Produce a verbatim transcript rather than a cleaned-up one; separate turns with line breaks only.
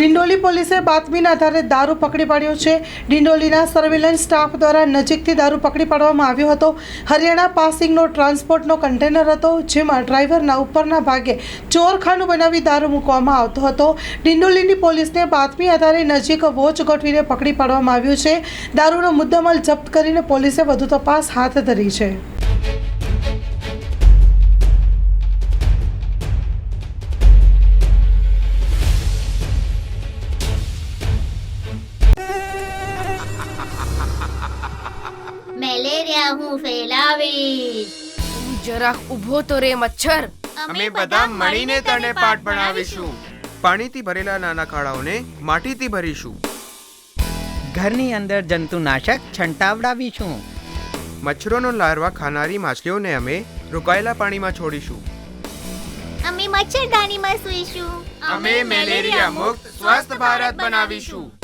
ડિંડોલી પોલીસે બાતમીના આધારે દારૂ પકડી પાડ્યો છે। ડિંડોલીના સર્વેલન્સ સ્ટાફ દ્વારા નજીકથી દારૂ પકડી પાડવામાં આવ્યો હતો। હરિયાણા પાસિંગનો ટ્રાન્સપોર્ટનો કન્ટેનર હતો, જેમાં ડ્રાઈવરના ઉપરના ભાગે ચોરખાનું બનાવી દારૂ મૂકવામાં આવતો હતો। ડિંડોલીની પોલીસને બાતમી આધારે નજીક વોચ ગોઠવીને પકડી પાડવામાં આવ્યું છે। દારૂનો મુદ્દામાલ જપ્ત કરીને પોલીસે વધુ તપાસ હાથ ધરી છે।
મેલેરિયા હું ફેલાવીશ।
જરાક ઊભો તો રે મચ્છર।
અમે બધા મળીને તને પાઠ ભણાવીશું। પાણીથી ભરેલા નાના ખાડાઓને માટીથી ભરીશું।
ઘરની અંદર જંતુનાશક છંટાવડાવીશું।
મચ્છરોનો લાર્વા ખાનારી માછલીઓને અમે રોકાયેલા પાણીમાં છોડીશું।
અમે મચ્છરદાનીમાં સૂઈશું।
અમે મેલેરિયા મુક્ત સ્વસ્થ ભારત બનાવીશું।